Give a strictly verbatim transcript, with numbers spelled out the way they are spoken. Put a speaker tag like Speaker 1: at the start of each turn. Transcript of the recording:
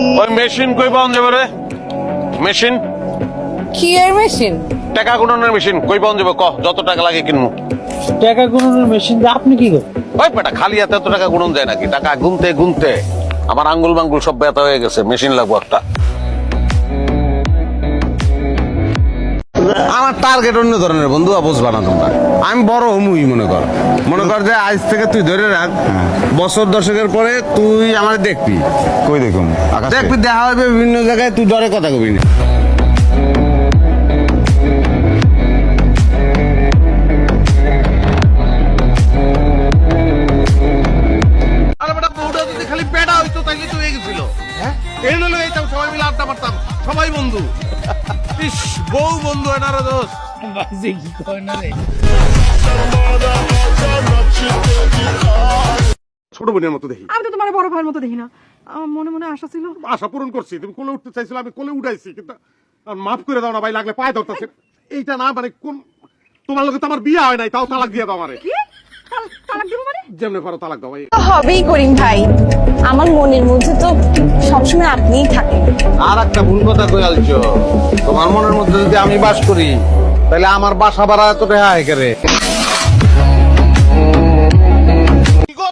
Speaker 1: ওই মেশিন কই পাওয়া যাবে রে? মেশিন
Speaker 2: কি এর মেশিন?
Speaker 1: টাকা গুণনের মেশিন কই পাওয়া যাবে? ক যত টাকা লাগে কিনবো।
Speaker 3: টাকা গুণনের মেশিন দিয়ে আপনি কি করেন?
Speaker 1: ওই বেটা খালি হাতে এত টাকা গুণন যায় নাকি? টাকা গুনতে গুনতে আমার আঙ্গুল মাঙ্গুল সব ব্যথা হয়ে গেছে। মেশিন লাগবো একটা।
Speaker 4: আমার টার্গেট অন্য ধরনের বন্ধু, বুঝবা না তোমরা। আমি বড় হমুই মনে কর মনে কর যে আজ থেকে তুই ধরে রাখ, বছর দশকের পরে তুই আমার দেখবি।
Speaker 5: কই দেখুন
Speaker 4: দেখবি দেখা হবে বিভিন্ন জায়গায়, তুই ডরে কথা কবি না।
Speaker 1: আরে বেটা বউটা যদি খালি বেটা হইতো তাইলে তো হয়ে গেছিল। হ্যাঁ এই হলো এইটাও সবাই মিলে আড্ডা মারতাম, সবাই বন্ধু। ইস বউ বন্ধু এনারা দোষ।
Speaker 3: বাজে কি কয় না রে।
Speaker 6: ছোট বোনের মতো দেখি।
Speaker 7: আমি তো তোমার বড় ভাইয়ের মতো দেখি না। আমার মনে মনে আশা ছিল।
Speaker 6: আশা পূরণ করছি, তুমি কোলে উঠতে চাইছিল, আমি কোলে উঠাইছি, কিন্তু আর মাফ করে দাও না ভাই, লাগলে পায়ে ধরতেছে। এইটা না মানে কোন তোমার লোকে তো আমার বিয়ে হয় নাই, তাও তালাক দিয়ে দাও আমারে।
Speaker 7: কি তাল- তালাক দিব মানে?
Speaker 6: যেমনে পারো তালাক দাও ভাই।
Speaker 2: হবেই করিম ভাই, আমার মনের মধ্যে তো সবসময় আপনিই থাকেন।
Speaker 4: আর একটা ভুল কথা কই আলছো, তোমার মনের মধ্যে যদি আমি বাস করি তাহলে আমার বাসা ভাড়া এত রেহা হয় কে রে?